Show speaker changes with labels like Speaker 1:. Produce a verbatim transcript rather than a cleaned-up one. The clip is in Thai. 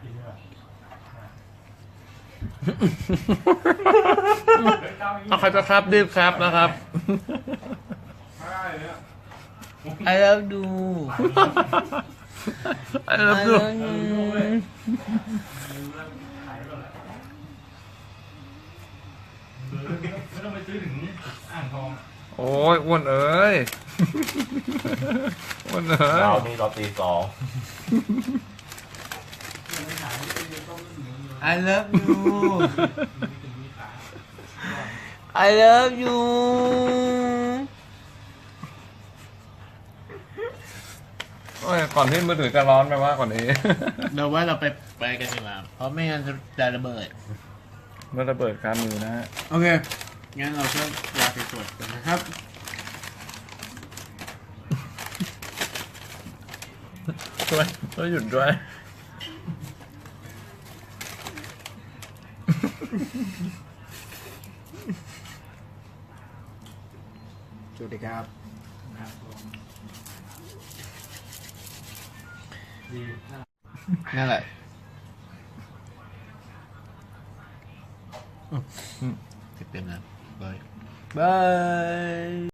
Speaker 1: เอาใครจะครับรีบครับนะครับ
Speaker 2: I love you
Speaker 1: I love you
Speaker 3: ไม่ต้องไปซื้อถึงอ่างทอง
Speaker 1: โอ้ยอ้วนเอ้ยอ้วนเอ้ย
Speaker 4: เรานี่เราตีสอง
Speaker 2: I love you I love you
Speaker 1: โอ้ยก่อนที่มือถือจะร้อนไปว่าก่อนนี้
Speaker 2: เราว่าเราไปไปกันดีกว่าเพราะไม่งั้นจะระเบิด
Speaker 1: เมื่อระเบิดการมือนะฮะ
Speaker 2: โอเค งั้นเราก็ลาไปตรวจกันนะครับ
Speaker 1: ช่วยช่วยหยุดด้วย
Speaker 2: สวัสดีครับ นั่นแหละเต็มๆนะบายบาย